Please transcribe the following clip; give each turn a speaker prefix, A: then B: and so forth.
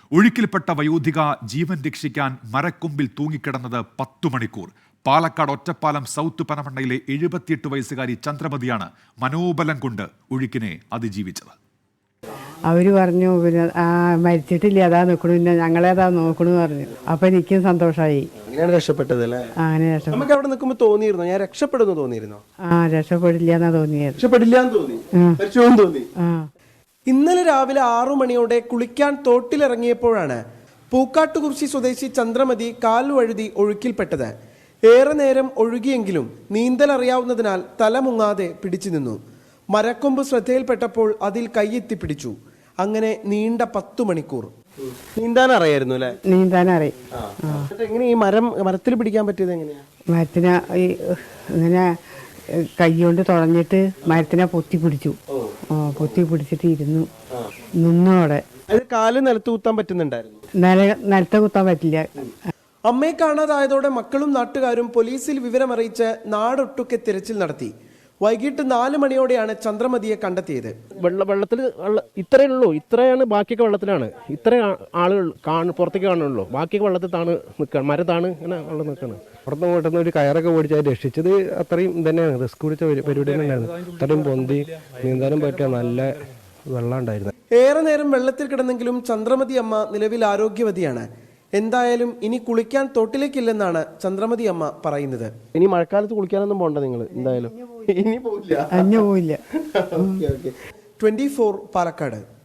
A: ഒഴുക്കിൽപ്പെട്ട വയോധിക ജീവൻ രക്ഷിക്കാൻ മരക്കൊമ്പിൽ തൂങ്ങിക്കിടന്നത് 10 മണിക്കൂർ. പാലക്കാട് ഒറ്റപ്പാലം സൗത്ത് പനമണ്ണയിലെ 78 വയസ്സുകാരി ചന്ദ്രമതിയാണ് മനോബലം കൊണ്ട് ഒഴുക്കിനെ അതിജീവിച്ചത്.
B: അവർ പറഞ്ഞു പിന്നെ മരിച്ചിട്ടില്ല, അതാ നോക്കണു, പിന്നെ ഞങ്ങളേതാ നോക്കണു പറഞ്ഞു. അപ്പൊ എനിക്കും സന്തോഷമായി.
C: അങ്ങനെയാണ് രക്ഷപ്പെട്ടത് അല്ലേ?
B: അങ്ങനെ രക്ഷപ്പെട്ടു.
C: നമുക്ക് അവിടെ നിൽക്കുമ്പോൾ തോന്നിയിരുന്നോ ഞാൻ രക്ഷപ്പെടുന്നു തോന്നിയിരുന്നോ?
B: രക്ഷപ്പെടില്ല എന്നാ തോന്നിയത്.
C: രക്ഷപ്പെടില്ല എന്ന് തോന്നി, മരിച്ചുവെന്ന് തോന്നി. ഇന്നലെ രാവിലെ 6 മണിയോടെ കുളിക്കാൻ തോട്ടിലിറങ്ങിയപ്പോഴാണ് പൂക്കാട്ടുകുറിശി സ്വദേശി ചന്ദ്രമതി കാൽ വഴുതി ഒഴുക്കിൽപ്പെട്ടത്. ഏറെ നേരം ഒഴുകിയെങ്കിലും നീന്തൽ അറിയാവുന്നതിനാൽ തല മുങ്ങാതെ പിടിച്ചു നിന്നു. മരക്കൊമ്പ് ശ്രദ്ധയിൽപ്പെട്ടപ്പോൾ അതിൽ കൈയെത്തി പിടിച്ചു. അങ്ങനെ നീണ്ട 10 മണിക്കൂർ നീന്താൻ അറിയായിരുന്നു അല്ലേ?
B: നീന്താൻ അറിയാം.
C: എങ്ങനെ ഈ മരത്തിൽ പിടിക്കാൻ പറ്റിയത് എങ്ങനെയാ?
B: മരത്തിനെ ഇങ്ങനെ കൈ കൊണ്ട് തുഴഞ്ഞിട്ട് മരത്തിനെ പൊത്തി പിടിച്ചു. പൊത്തി പിടിച്ചിട്ട് ഇരുന്നു നിന്നോടെ.
C: കാല് നിലത്ത് കുത്താൻ പറ്റുന്നുണ്ടായിരുന്നു?
B: നിലത്ത് കുത്താൻ പറ്റില്ല.
C: അമ്മയെ കാണാതായതോടെ മക്കളും നാട്ടുകാരും പോലീസിൽ വിവരമറിയിച്ച് നാടൊട്ടുക്കെ തിരച്ചിൽ നടത്തി. വൈകിട്ട് 4 മണിയോടെയാണ് ചന്ദ്രമതിയെ കണ്ടെത്തിയത്.
D: വെള്ളത്തിൽ ഇത്രയേ ഉള്ളൂ, ഇത്രയാണ്, ബാക്കിയൊക്കെ വെള്ളത്തിലാണ്. ഇത്ര ആളുകൾ പുറത്തേക്ക് കാണുള്ളൂ, ബാക്കിയൊക്കെ വെള്ളത്തിൽ താണ് നിൽക്കുകയാണ്, മരത്താണ് ഇങ്ങനെ വെള്ളം നിൽക്കുകയാണ്.
E: പുറത്ത് പോയിട്ടുന്ന ഒരു കയറൊക്കെ ഓടിച്ചാൽ രക്ഷിച്ചത് അത്രയും തന്നെയാണ്. റിസ്ക് പിടിച്ച പരിപാടി തന്നെയായിരുന്നു. അത്രയും പൊന്തി നീന്താനും പറ്റിയ നല്ല വെള്ളം ഉണ്ടായിരുന്നു.
C: ഏറെ നേരം വെള്ളത്തിൽ കിടന്നെങ്കിലും ചന്ദ്രമതി അമ്മ നിലവിൽ ആരോഗ്യവതിയാണ്. എന്തായാലും ഇനി കുളിക്കാൻ തോട്ടിലേക്കില്ലെന്നാണ് ചന്ദ്രമതി അമ്മ പറയുന്നത്.
D: ഇനി മഴക്കാലത്ത് കുളിക്കാനൊന്നും പോകണ്ട നിങ്ങൾ എന്തായാലും.
C: ഇനി പോയില്ല.
B: 24
C: പാലക്കാട്.